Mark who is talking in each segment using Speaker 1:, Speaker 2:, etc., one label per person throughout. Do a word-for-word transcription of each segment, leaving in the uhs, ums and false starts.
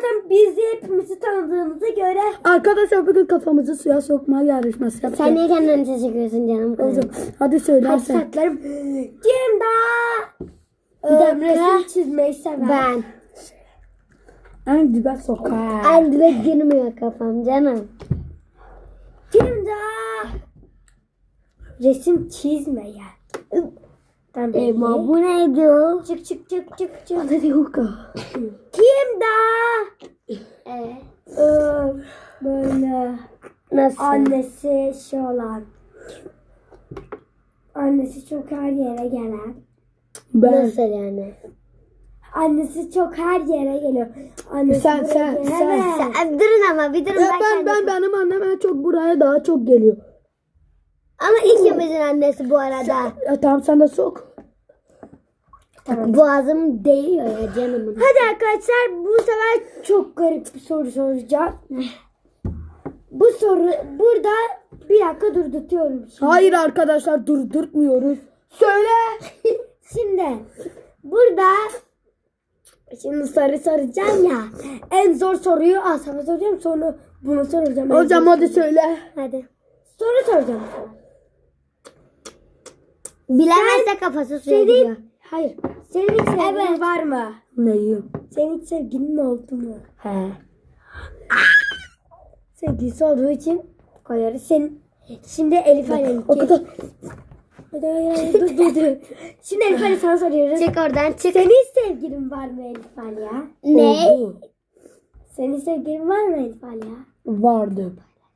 Speaker 1: zaten bizi hepimizi tanıdığımıza göre.
Speaker 2: Arkadaşlar bugün kafamızı suya sokma yarışması yapacağız.
Speaker 3: Sen niye kendini teşekkürsün canım kızım?
Speaker 2: Hocam, hadi söyle
Speaker 1: Hadi
Speaker 2: sen.
Speaker 1: saklarım. Kim daha
Speaker 3: Bir
Speaker 1: e,
Speaker 3: dakika.
Speaker 1: resim çizmeyi sever?
Speaker 3: Ben.
Speaker 2: En dibe sokar.
Speaker 3: En dibe girmiyor kafam canım.
Speaker 1: Kim daha resim çizmeyen? Tamam.
Speaker 3: Ema bu neydi o?
Speaker 1: Çık çık çık çık çık.
Speaker 2: Hadi yok.
Speaker 1: Kim daha
Speaker 3: Ee,
Speaker 1: e, böyle
Speaker 3: nasıl?
Speaker 1: annesi şey olan, annesi çok her yere gelen,
Speaker 2: Ben.
Speaker 3: Nasıl yani?
Speaker 1: annesi çok her yere geliyor. Annesi
Speaker 2: Sen,
Speaker 1: buraya
Speaker 2: sen,
Speaker 1: geliyor.
Speaker 2: sen.
Speaker 1: Evet.
Speaker 3: Sen, durun ama bir durun.
Speaker 2: Ya
Speaker 3: ben,
Speaker 2: ben ben
Speaker 3: kendim-
Speaker 2: benim annem en çok buraya daha çok geliyor.
Speaker 3: Ama ikimizin annesi bu arada.
Speaker 2: Ya tamam sen de sok.
Speaker 3: Boğazım değiyor ya canımın.
Speaker 1: Hadi arkadaşlar, bu sefer çok garip bir soru soracağım. Bu soru burada bir dakika durdurtuyorum. Şimdi.
Speaker 2: Hayır arkadaşlar durdurtmuyoruz. Söyle.
Speaker 1: Şimdi burada şimdi soru soracağım ya. En zor soruyu az sana soracağım, sonra bunu soracağım. En
Speaker 2: Hocam
Speaker 1: zor
Speaker 2: hadi
Speaker 1: soruyu.
Speaker 2: söyle.
Speaker 1: Hadi. Soru soracağım sana.
Speaker 3: Bilemezse kafası suya
Speaker 1: Senin,
Speaker 3: gidiyor.
Speaker 1: hayır. Senin hiç sevgilin
Speaker 3: Evet.
Speaker 1: var mı?
Speaker 2: Neyi?
Speaker 1: Senin hiç sevgilin oldu mu?
Speaker 2: He.
Speaker 1: Sevgilisi olduğu için koyarız. Senin şimdi Elif Alem.
Speaker 2: O kadar.
Speaker 1: Hadi hayır hayır dur dur dur. Şimdi Elif Ali sana soruyoruz.
Speaker 3: Çık oradan çık.
Speaker 1: Senin hiç sevgilin var mı Elif Ali ya?
Speaker 3: Ne?
Speaker 2: Oldu.
Speaker 1: Senin sevgilin var mı Elif Ali ya?
Speaker 2: Vardı.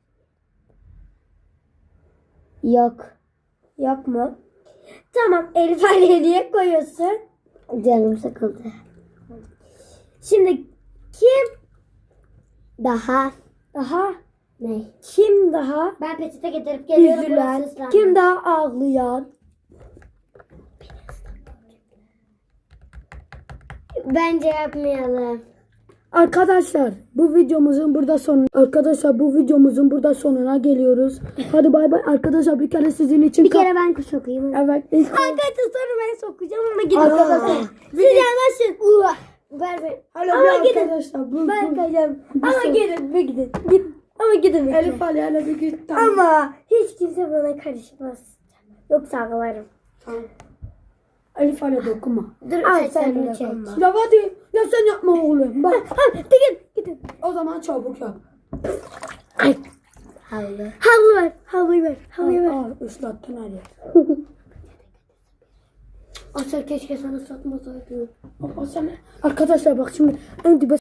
Speaker 3: Yok.
Speaker 1: Yok mu? Tamam, Elif Ali'ye niye koyuyorsun?
Speaker 3: Canım sıkıldı.
Speaker 1: Şimdi kim
Speaker 3: Daha.
Speaker 1: daha
Speaker 3: Ne?
Speaker 1: kim daha
Speaker 3: Ben peçete getirip geliyorum.
Speaker 1: üzülen,
Speaker 3: burası ıslandı.
Speaker 1: kim daha ağlayan?
Speaker 3: Bence yapmayalım.
Speaker 2: Arkadaşlar bu videomuzun burada sonu. Arkadaşlar bu videomuzun burada sonuna geliyoruz. Hadi bay bay arkadaşlar, bir kere sizin için.
Speaker 3: Bir kere ben sokayım.
Speaker 2: Evet.
Speaker 1: Arkadaşlar sonra ben sokacağım ama gidin.
Speaker 2: Arkadaşlar.
Speaker 1: Siz yanaşın.
Speaker 3: Ver ver.
Speaker 2: Alo
Speaker 1: Ama
Speaker 2: bir
Speaker 1: gidin.
Speaker 2: arkadaşlar. Bu,
Speaker 1: Ben
Speaker 2: bu.
Speaker 1: kayacağım. Ama
Speaker 2: sor.
Speaker 1: gidin bir gidin. Gidin. Ama gidin bir
Speaker 2: Elif Ali hele bir git. Tamam.
Speaker 1: Ama hiç kimse bana karışmaz. Yoksa ağlarım.
Speaker 2: Tamam. Elif Ali dokunma.
Speaker 3: Dur
Speaker 1: Ay,
Speaker 3: sen
Speaker 1: sen
Speaker 3: sen
Speaker 1: de
Speaker 3: çek.
Speaker 1: dokunma.
Speaker 2: Ya hadi. Ya sen yapma oğlum. Bak.
Speaker 1: Ha, gidin gidin.
Speaker 2: O zaman çabuk yap.
Speaker 1: Ay.
Speaker 3: Havlu.
Speaker 1: Havlu ver. Havluyu ver. Havluyu ver.
Speaker 2: Aa, ıslattın her yer.
Speaker 3: Asıl keşke sana satmasaydım.
Speaker 2: Aa, sen... Arkadaşlar bak şimdi en dibe